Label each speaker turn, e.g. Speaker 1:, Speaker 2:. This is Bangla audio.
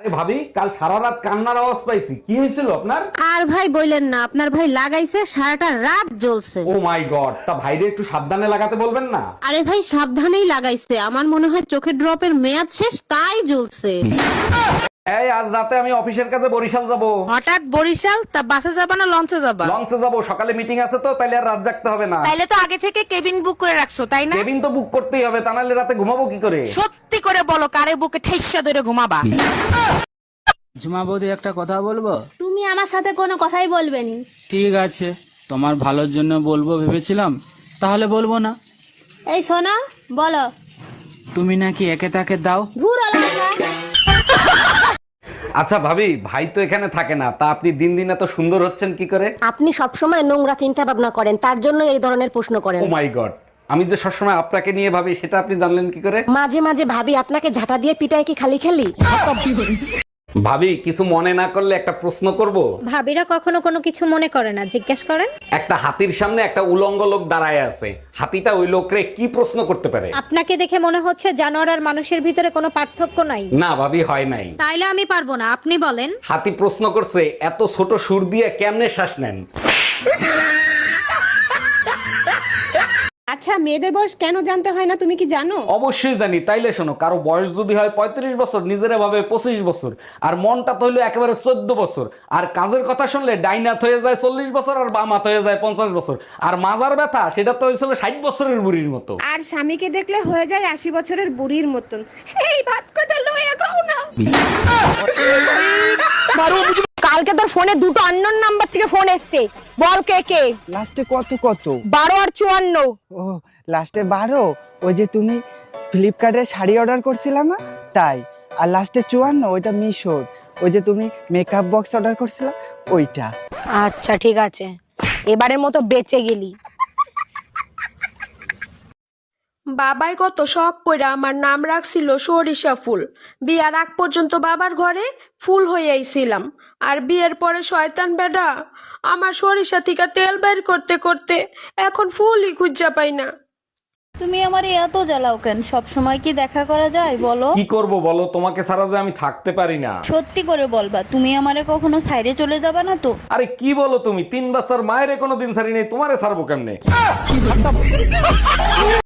Speaker 1: আরে ভাবি, কাল সারা রাত কান্নার আওয়াজ পাইছি, কি হয়েছিল আপনার?
Speaker 2: আর ভাই বললেন না, আপনার ভাই লাগাইছে সারাটা রাত জ্বলছে।
Speaker 1: ও মাই গড, তা ভাইরে একটু সাবধানে লাগাতে বলবেন না?
Speaker 2: আরে ভাই সাবধানেই লাগাইছে, আমার মনে হয় চোখের ড্রপের মেয়াদ শেষ তাই জ্বলছে।
Speaker 1: এই আজ রাতে আমি অফিসের কাছে বরিশাল যাব।
Speaker 2: হঠাৎ বরিশাল? তা বাসে যাবা না লঞ্চে যাবা?
Speaker 1: লঞ্চে যাব, সকালে মিটিং আছে তো, তাইলে আর রাত জাগতে হবে না।
Speaker 2: তাইলে তো আগে থেকে কেবিন বুক করে রাখছো তাই না?
Speaker 1: কেবিন তো বুক করতেই হবে, তা নাহলে রাতে ঘুমাবো কি করে?
Speaker 2: সত্যি করে বলো, কারে বুকে ঠেসা ধরে ঘুমাবা?
Speaker 3: ঝুমা বৌদি একটা কথা বলবো?
Speaker 4: তুমি আমার সাথে কোনো কথাই বলবে নি।
Speaker 3: ঠিক আছে, তোমার ভালোর জন্য বলবো ভেবেছিলাম, তাহলে বলবো না।
Speaker 4: এই শোনো, বলো।
Speaker 3: তুমি নাকি একে তাকে দাও?
Speaker 4: ধুর আলাদা।
Speaker 1: আচ্ছা ভাবি, ভাই তো এখানে থাকে না, তা আপনি দিন দিন এত সুন্দর হচ্ছেন কি করে?
Speaker 5: আপনি সবসময় নোংরা চিন্তা ভাবনা করেন, তার জন্য এই ধরনের প্রশ্ন করেন।
Speaker 1: ও মাই গড, আমি যে সবসময় আপনাকে নিয়ে ভাবি সেটা আপনি জানলেন কি করে?
Speaker 5: মাঝে মাঝে ভাবি আপনাকে ঝাঁটা দিয়ে পিটায় কি খালি খালি?
Speaker 1: ভাবি, কিছু মনে না করলে একটা প্রশ্ন করব?
Speaker 6: ভাবিরা কখনো কোনো কিছু মনে করে না, জিজ্ঞেস করেন।
Speaker 1: একটা হাতির সামনে একটা উলঙ্গ লোক দাঁড়ায় আছে, হাতিটা ওই লোকরে কি প্রশ্ন করতে পারে?
Speaker 6: আপনাকে দেখে মনে হচ্ছে জানোয়ার আর মানুষের ভিতরে কোনো পার্থক্য নাই।
Speaker 1: না ভাবি, হয় নাই।
Speaker 6: তাইলে আমি পারবো না, আপনি বলেন।
Speaker 1: হাতি প্রশ্ন করছে, এত ছোট সুর দিয়ে কেমনে শ্বাস নেন?
Speaker 7: আচ্ছা, মেয়েদের বয়স কেন জানতে হয় না তুমি কি জানো?
Speaker 1: অবশ্যই জানি, তাইলে শোনো, কারো বয়স যদি হয় 35 বছর, নিজেরা ভাবে 25 বছর, আর মনটা তো হইলো একেবারে 14 বছর, আর কাজের কথা শুনলে ডাইনাত হয়ে যায় 40 বছর, আর বামাত হয়ে যায় 50 বছর, আর মাজার ব্যথা সেটা তো হয়েছিল 60 বছরের বুড়ির মতো।
Speaker 7: আর স্বামীকে দেখলে হয়ে যায় 80 বছরের বুড়ির মতন। এই ভাত কটা লইয়া গাও না।
Speaker 5: কালকে তোর ফোনে দুটো আননোন নাম্বার থেকে ফোন এসেছে, বল কে কে?
Speaker 8: লাস্টে কত কত?
Speaker 5: 12 আর 54।
Speaker 8: ও লাস্টে 12, ওই যে তুমি ফ্লিপকার্টে শাড়ি অর্ডার করছিলা না, তাই। আর লাস্টে 54, ওইটা মিশোর, ওই যে তুমি মেকআপ বক্স অর্ডার করছিলা, ওইটা।
Speaker 5: আচ্ছা ঠিক আছে, এবারের মতো বেঁচে গেলি।
Speaker 9: বাবাই কত শখ কইরা আমার নাম রাখছিল সরিষা ফুল। বিয়ার আগ পর্যন্ত বাবার ঘরে ফুল হইয়াইছিলাম, আর বিয়ের পরে শয়তান বেডা আমার সরিষা থেকে তেল বের করতে করতে এখন ফুলই খুঁজা পাই না।
Speaker 6: তুমি আমার এত জ্বালাও কেন? সব সময় কি দেখা করা যায় বলো?
Speaker 1: কি করব বলো, তোমাকে ছাড়া যে আমি থাকতে পারি না।
Speaker 6: সত্যি করে বলবা, তুমি আমারে কখনো সাইডে চলে যাবা না তো?
Speaker 1: আরে কি বলো তুমি, 3 বছর মায়ের কোনোদিন ছাড়ি নেই, তোমারে ছাড়বো কেমনে?